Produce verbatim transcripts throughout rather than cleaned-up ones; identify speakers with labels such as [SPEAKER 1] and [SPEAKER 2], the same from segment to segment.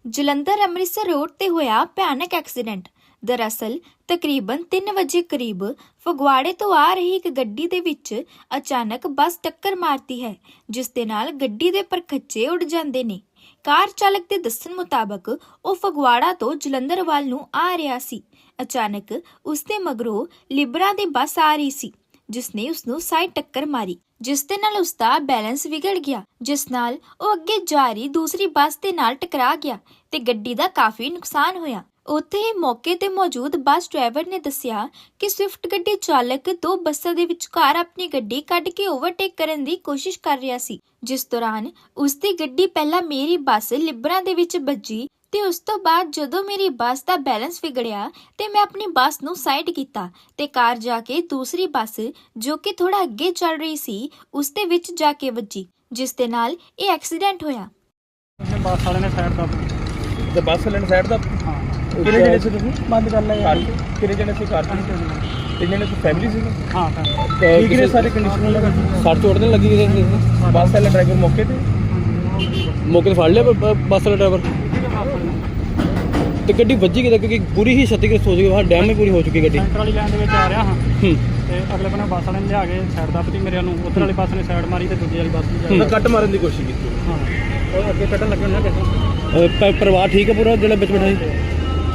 [SPEAKER 1] Jalandhar Amritsar road ਤੇ ਹੋਇਆ ਭਿਆਨਕ ਐਕਸੀਡੈਂਟ। ਦਰਅਸਲ ਤਕਰੀਬਨ ਤਿੰਨ ਵਜੇ ਕਰੀਬ ਫਗਵਾੜੇ ਤੋਂ ਆ ਰਹੀ ਇੱਕ ਗੱਡੀ ਦੇ ਵਿੱਚ ਅਚਾਨਕ ਬੱਸ ਟੱਕਰ ਮਾਰਦੀ ਹੈ, ਜਿਸ ਦੇ ਨਾਲ ਗੱਡੀ ਦੇ ਪਰਖੱਚੇ ਉੱਡ ਜਾਂਦੇ ਨੇ। ਕਾਰ ਚਾਲਕ ਦੇ ਦੱਸਣ ਮੁਤਾਬਕ ਉਹ ਫਗਵਾੜਾ ਤੋਂ ਜਲੰਧਰ ਵੱਲ ਨੂੰ ਆ ਰਿਹਾ ਸੀ। ਅਚਾਨਕ ਉਸ ਦੇ ਮਗਰੋਂ ਲਿਬਰਾ ਦੀ ਬੱਸ ਆ ਰਹੀ ਸੀ, ਜਿਸ ਨੇ ਉਸ ਨੂੰ ਸਾਈਡ ਟੱਕਰ ਮਾਰੀ, ਜਿਸ ਦੇ ਨਾਲ ਉਸ ਦਾ ਬੈਲੈਂਸ ਵਿਗੜ ਗਿਆ, ਜਿਸ ਨਾਲ ਉਹ ਅੱਗੇ ਜਾ ਰਹੀ ਦੂਸਰੀ ਬੱਸ ਦੇ ਨਾਲ ਟਕਰਾ ਗਿਆ ਤੇ ਗੱਡੀ ਦਾ ਕਾਫੀ ਨੁਕਸਾਨ ਹੋਇਆ। ਉੱਥੇ ਹੀ ਮੌਕੇ ਤੇ ਮੌਜੂਦ ਬੱਸ ਡਰਾਈਵਰ ਨੇ ਦੱਸਿਆ ਕਿ ਸਵਿਫਟ ਗੱਡੀ ਚਾਲਕ ਦੋ ਬੱਸਾਂ ਦੇ ਵਿਚਕਾਰ ਆਪਣੀ ਗੱਡੀ ਕੱਢ ਕੇ ਓਵਰਟੇਕ ਕਰਨ ਦੀ ਕੋਸ਼ਿਸ਼ ਕਰ ਰਿਹਾ ਸੀ, ਜਿਸ ਦੌਰਾਨ ਉਸ ਦੀ ਗੱਡੀ ਪਹਿਲਾਂ ਮੇਰੀ ਬੱਸ ਲਿਬਰਾ ਦੇ ਵਿੱਚ ਵੱਜੀ ਤੇ ਉਸ ਤੋਂ ਬਾਅਦ ਜਦੋਂ ਮੇਰੀ ਬੱਸ ਦਾ ਬੈਲੈਂਸ ਵਿਗੜਿਆ ਤੇ ਮੈਂ ਆਪਣੀ ਬੱਸ ਨੂੰ ਸਾਈਡ ਕੀਤਾ ਤੇ ਕਾਰ ਜਾ ਕੇ ਦੂਸਰੀ ਬੱਸ ਜੋ ਕਿ ਥੋੜਾ ਅੱਗੇ ਚੱਲ ਰਹੀ ਸੀ ਉਸ ਦੇ ਵਿੱਚ ਜਾ ਕੇ ਵੱਜੀ, ਜਿਸ ਦੇ ਨਾਲ ਇਹ ਐਕਸੀਡੈਂਟ ਹੋਇਆ।
[SPEAKER 2] ਬੱਸ ਵਾਲੇ ਨੇ ਸਾਈਡ ਦਾ
[SPEAKER 3] ਤੇ ਬੱਸ ਵਾਲੇ ਨੇ ਸਾਈਡ ਦਾ
[SPEAKER 2] ਹਾਂ
[SPEAKER 3] ਕਿਹੜੇ ਜਣੇ ਸੀ ਤੁਸੀਂ?
[SPEAKER 2] ਬੰਦ ਕਰ ਲਿਆ ਯਾਰ।
[SPEAKER 3] ਕਿਹੜੇ ਜਣੇ ਸੀ ਕਾਰ 'ਚ? ਤਿੰਨ ਜਣੇ ਸੀ, ਫੈਮਿਲੀ ਸੀ?
[SPEAKER 2] ਹਾਂ
[SPEAKER 3] ਠੀਕ ਨੇ ਸਾਰੇ ਕੰਡੀਸ਼ਨ ਨਾਲ? ਸੱਟ ਚੋਟ ਨਹੀਂ ਲੱਗੀ ਕਿਸੇ ਨੂੰ? ਬੱਸ ਵਾਲਾ ਡਰਾਈਵਰ ਮੌਕੇ ਤੇ ਮੌਕੇ ਤੇ ਫੜ ਲਿਆ ਬੱਸ ਵਾਲਾ ਡਰਾਈਵਰ? ਤੇ ਗੱਡੀ ਵੱਜੀ ਕਿਤੇ? ਕਿਉਂਕਿ ਪੂਰੀ ਹੀ ਛੱਤੀਗ੍ਰਸਤ ਹੋ ਚੁੱਕੀ ਹੈ, ਡੈਮ ਹੀ ਪੂਰੀ ਹੋ ਚੁੱਕੀ ਗੱਡੀ।
[SPEAKER 2] ਸੈਂਟਰ ਵਾਲੀ ਲਾਈਨ ਦੇ ਵਿੱਚ ਆ ਰਿਹਾ ਹਾਂ
[SPEAKER 3] ਹੂੰ
[SPEAKER 2] ਤੇ ਅਗਲੇ ਬੰਨੇ ਬੱਸ ਵਾਲੇ ਨੇ ਲਿਆ ਕੇ ਸਾਈਡ ਦੱਬਤੀ ਮੇਰੇ ਨੂੰ, ਉੱਧਰ ਵਾਲੀ ਬੱਸ ਨੇ ਸਾਈਡ ਮਾਰੀ ਤੇ ਦੂਜੀ ਵਾਲੀ ਬੱਸ ਨੇ
[SPEAKER 3] ਤਾਂ ਕੱਟ ਮਾਰਨ ਦੀ ਕੋਸ਼ਿਸ਼ ਕੀਤੀ।
[SPEAKER 2] ਹਾਂ ਉਹ ਅੱਗੇ ਕੱਢਣ ਲੱਗੇ ਉਹਨਾਂ ਕਿਸੇ
[SPEAKER 3] ਅਹ ਪ- ਪਰਿਵਾਰ ਠੀਕ ਹੈ ਪੂਰਾ ਜਿਹੜਾ ਵਿੱਚ ਬੈਠਾ ਸੀ?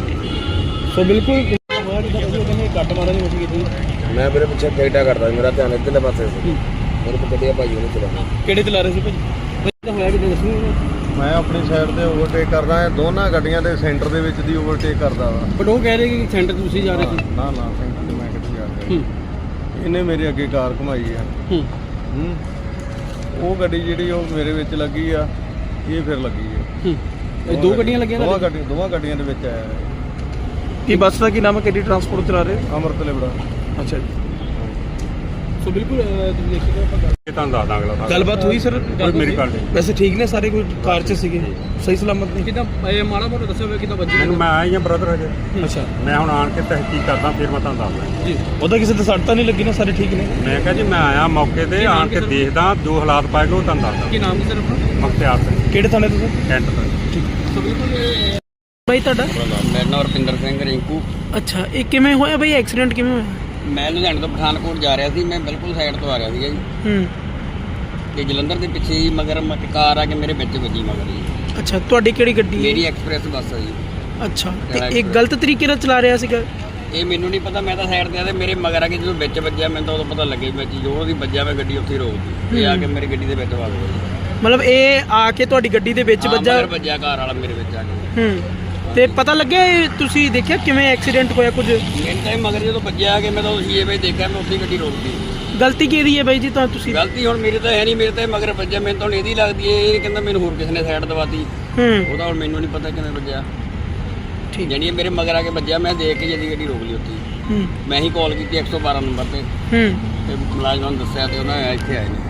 [SPEAKER 3] ਸੋ ਬਿਲਕੁਲ ਹੋਇਆ ਜਿੱਦਾਂ ਤੁਸੀਂ ਕਹਿੰਦੇ ਕੱਟ ਮਾਰਨ ਦੀ ਕੋਸ਼ਿਸ਼ ਕੀਤੀ।
[SPEAKER 4] ਮੈਂ ਮੇਰੇ ਪਿੱਛੇ ਟਿਕਟਾ ਕਰਦਾ, ਮੇਰਾ ਧਿਆਨ ਇੱਧਰਲੇ ਪਾਸੇ ਸੀ। ਮੇਰੇ ਕੋਲ ਗੱਡੀਆਂ ਭਾਈ ਉਹਨੇ ਚਲਾਉਣਾ।
[SPEAKER 3] ਕਿਹੜੇ ਚਲਾ ਰਹੇ ਸੀ ਭਾਜੀ? ਤਾਂ ਹੋਇਆ ਕਿਤੇ ਦੱਸੋ।
[SPEAKER 5] ਮੈਂ ਆਪਣੀ ਸਾਈਡ ਤੇ ਓਵਰਟੇਕ ਕਰਦਾ ਹਾਂ, ਦੋਨਾਂ ਗੱਡੀਆਂ ਦੇ ਸੈਂਟਰ ਦੇ ਵਿੱਚ ਦੀ ਓਵਰਟੇਕ ਕਰਦਾ ਵਾ।
[SPEAKER 3] ਬਟ ਉਹ ਕਹਿ ਰਹੇ ਕਿ ਸੈਂਟਰ ਤੁਸੀਂ ਜਾ ਰਹੇ ਸੀ।
[SPEAKER 5] ਨਾ ਨਾ ਸੈਂਟਰ ਤੇ ਮੈਂ ਕਿੱਥੇ ਜਾ ਰਿਹਾ।
[SPEAKER 3] ਹੂੰ
[SPEAKER 5] ਇਹਨੇ ਮੇਰੇ ਅੱਗੇ ਕਾਰ ਘੁਮਾਈ ਆ।
[SPEAKER 3] ਹੂੰ
[SPEAKER 5] ਹੂੰ ਉਹ ਗੱਡੀ ਜਿਹੜੀ ਉਹ ਮੇਰੇ ਵਿੱਚ ਲੱਗੀ ਆ, ਇਹ ਫਿਰ ਲੱਗੀ ਆ।
[SPEAKER 3] ਹੂੰ ਇਹ ਦੋ ਗੱਡੀਆਂ ਲੱਗੀਆਂ?
[SPEAKER 5] ਦੋਵਾਂ ਗੱਡੀਆਂ ਦੋਵਾਂ ਗੱਡੀਆਂ ਦੇ ਵਿੱਚ ਆਇਆ
[SPEAKER 3] ਕੀ ਬੱਸ ਦਾ ਕੀ ਨਾਮ ਹੈ? ਕਿਹੜੀ ਟਰਾਂਸਪੋਰਟ ਚਲਾ ਰਹੇ?
[SPEAKER 5] ਅੰਮ੍ਰਿਤ ਲਿਬੜਾ।
[SPEAKER 3] ਅੱਛਾ ਜੀ। ਸੋ ਬਿਲਕੁਲ ਤੁਸੀਂ ਦੇਖ ਸਕਦੇ ਹੋ ਆਪਾਂ
[SPEAKER 6] ਇਹ ਤੁਹਾਨੂੰ ਦੱਸਦਾ ਅਗਲਾ
[SPEAKER 3] ਗੱਲਬਾਤ ਹੋਈ ਸਰ?
[SPEAKER 6] ਮੇਰੀ ਗੱਲ ਨਹੀਂ।
[SPEAKER 3] ਵੈਸੇ ਠੀਕ ਨੇ ਸਾਰੇ? ਕੋਈ ਕਾਰ 'ਚ ਸੀਗੇ ਸਹੀ ਸਲਾਮਤ ਨੇ? ਕਿਦਾਂ ਇਹ ਮਾੜਾ ਮੋਟਾ ਦੱਸਿਆ ਹੋਵੇ ਕਿਦਾਂ ਵੱਜੀ?
[SPEAKER 6] ਮੈਨੂੰ ਮੈਂ ਆਇਆ ਹੀ ਆ ਬ੍ਰਦਰ ਹਜੇ।
[SPEAKER 3] ਅੱਛਾ
[SPEAKER 6] ਮੈਂ ਹੁਣ ਆਣ ਕੇ ਤਹਿਕੀਕ ਕਰਦਾ, ਫਿਰ ਮੈਂ ਤੁਹਾਨੂੰ ਦੱਸਦਾ
[SPEAKER 3] ਜੀ। ਉਹਦਾ ਕਿਸੇ ਤੇ ਸੱਟ ਤਾਂ ਨਹੀਂ ਲੱਗੀ ਨਾ? ਸਾਰੇ ਠੀਕ ਨੇ?
[SPEAKER 6] ਮੈਂ ਕਿਹਾ ਜੀ ਮੈਂ ਆਇਆ ਮੌਕੇ ਤੇ ਆਣ ਕੇ ਦੇਖਦਾ, ਜੋ ਹਾਲਾਤ ਪਾਏਗਾ ਉਹ ਤੁਹਾਨੂੰ ਦੱਸਦਾ।
[SPEAKER 3] ਕੀ ਨਾਮ ਹੈ ਸਰ ਆਪਣਾ?
[SPEAKER 6] ਮਖਤਿਆਰ ਸਿੰਘ,
[SPEAKER 3] ਕਿਹੜੇ ਥਾਣੇ ਤੋਂ?
[SPEAKER 6] ਕੈਂਟ ਤੋਂ।
[SPEAKER 3] ਠੀਕ। ਸੋ ਬਿਲਕੁਲ ਬਾਈ ਤੁਹਾਡਾ?
[SPEAKER 4] ਮੇਰਾ ਨਾਮ ਰੁਪਿੰਦਰ ਸਿੰਘ ਰਿੰਕੂ।
[SPEAKER 3] ਅੱਛਾ, ਇਹ ਕਿਵੇਂ ਹੋਇਆ ਬਾਈ ਐਕਸੀਡੈਂਟ? ਕਿਵੇਂ ਹੋਇਆ?
[SPEAKER 4] ਮੈਂ ਲੁਧਿਆਣੇ ਤੋਂ ਪਠਾਨਕੋਟ ਜਾ ਰਿਹਾ ਸੀ, ਮੈਂ ਬਿਲਕੁਲ ਸਾਈਡ ਤੋਂ ਆ ਰਿਹਾ ਸੀਗਾ ਜੀ।
[SPEAKER 3] ਹੂੰ
[SPEAKER 4] ਤੇ ਜਲੰਧਰ ਦੇ ਪਿੱਛੇ ਹੀ ਮਗਰ ਮ- ਕਾਰ ਆ ਕੇ ਮੇਰੇ ਵਿੱਚ ਵੱਜੀ ਮਗਰ ਜੀ।
[SPEAKER 3] ਅੱਛਾ, ਤੁਹਾਡੀ ਕਿਹੜੀ ਗੱਡੀ ਹੈ?
[SPEAKER 4] ਮੇਰੀ ਐਕਸਪ੍ਰੈਸ ਬੱਸ ਆ ਜੀ।
[SPEAKER 3] ਅੱਛਾ, ਤੇ ਇਹ ਗਲਤ ਤਰੀਕੇ ਨਾਲ ਚਲਾ ਰਿਹਾ ਸੀਗਾ?
[SPEAKER 4] ਇਹ ਮੈਨੂੰ ਨਹੀਂ ਪਤਾ, ਮੈਂ ਤਾਂ ਸਾਈਡ ਤੇ ਆ ਤੇ ਮੇਰੇ ਮਗਰ ਆ ਕੇ ਜਦੋਂ ਵਿੱਚ ਵੱਜਿਆ ਮੈਨੂੰ ਤਾਂ ਉਦੋਂ ਪਤਾ ਲੱਗਿਆ ਵਿੱਚ ਜੋ ਉਹਦੀ ਵੱਜਿਆ, ਮੈਂ ਗੱਡੀ ਉੱਥੇ ਹੀ ਰੋਕ ਦਿੱਤੀ। ਇਹ ਆ ਕੇ ਮੇਰੀ ਗੱਡੀ ਦੇ ਵਿੱਚ ਵੱਜ ਗਿਆ।
[SPEAKER 3] ਮਤਲਬ ਇਹ ਆ ਕੇ ਤੁਹਾਡੀ ਗੱਡੀ ਦੇ ਵਿੱਚ
[SPEAKER 4] ਹਾਂ,
[SPEAKER 3] ਵੱਜਾ?
[SPEAKER 4] ਮਗਰ ਵੱਜਿਆ ਕਾਰ ਵਾਲਾ ਮੇਰੇ ਵਿੱਚ ਆ ਕੇ।
[SPEAKER 3] ਹੂੰ ਤੇ ਪਤਾ ਲੱਗਿਆ ਇਹ ਤੁਸੀਂ ਦੇਖਿਆ ਕਿਵੇਂ ਐਕਸੀਡੈਂਟ ਹੋਇਆ ਕੁਝ?
[SPEAKER 4] ਮੈਨੂੰ ਤਾਂ ਇਹ ਮਗਰ ਜਦੋਂ ਵੱਜਿਆ ਆ ਕੇ ਮੈਂ ਤਾਂ ਉਹ ਸੀਏ ਵਿੱਚ ਦੇਖਿਆ, ਮੈਂ ਉੱਥੇ ਹੀ ਗੱਡੀ ਰੋਕਦੀ।
[SPEAKER 3] ਗਲਤੀ ਕਿਹਦੀ ਹੈ ਬਾਈ ਜੀ? ਤਾਂ ਤੁਸੀਂ
[SPEAKER 4] ਗਲਤੀ ਹੁਣ ਮੇਰੇ ਤਾਂ ਹੈ ਨਹੀਂ, ਮੇਰੇ ਤਾਂ ਇਹ ਮਗਰ ਵੱਜਿਆ, ਮੈਨੂੰ ਤਾਂ ਹੁਣ ਇਹਦੀ ਲੱਗਦੀ ਹੈ। ਇਹ ਕਹਿੰਦਾ ਮੈਨੂੰ ਹੋਰ ਕਿਸੇ ਨੇ ਸਾਈਡ ਦਵਾਤੀ,
[SPEAKER 3] ਹੂੰ
[SPEAKER 4] ਉਹਦਾ ਹੁਣ ਮੈਨੂੰ ਨਹੀਂ ਪਤਾ ਕਿਵੇਂ ਵੱਜਿਆ।
[SPEAKER 3] ਠੀਕ।
[SPEAKER 4] ਜਾਨੀ ਇਹ ਮੇਰੇ ਮਗਰ ਆ ਕੇ ਵੱਜਿਆ, ਮੈਂ ਦੇਖ ਕੇ ਜਦੀ ਗੱਡੀ ਰੋਕ ਲਈ ਉੱਥੇ ਹੀ।
[SPEAKER 3] ਹੂੰ
[SPEAKER 4] ਮੈਂ ਹੀ ਕਾਲ ਕੀਤੀ ਇੱਕ ਸੌ ਬਾਰਾਂ ਨੰਬਰ ਤੇ
[SPEAKER 3] ਹੂੰ
[SPEAKER 4] ਤੇ ਮੁਲਾਜ਼ਮਾਂ ਨੂੰ ਦੱਸਿਆ ਤੇ ਉਹਨਾਂ ਇੱਥੇ ਆਏ ਨੇ।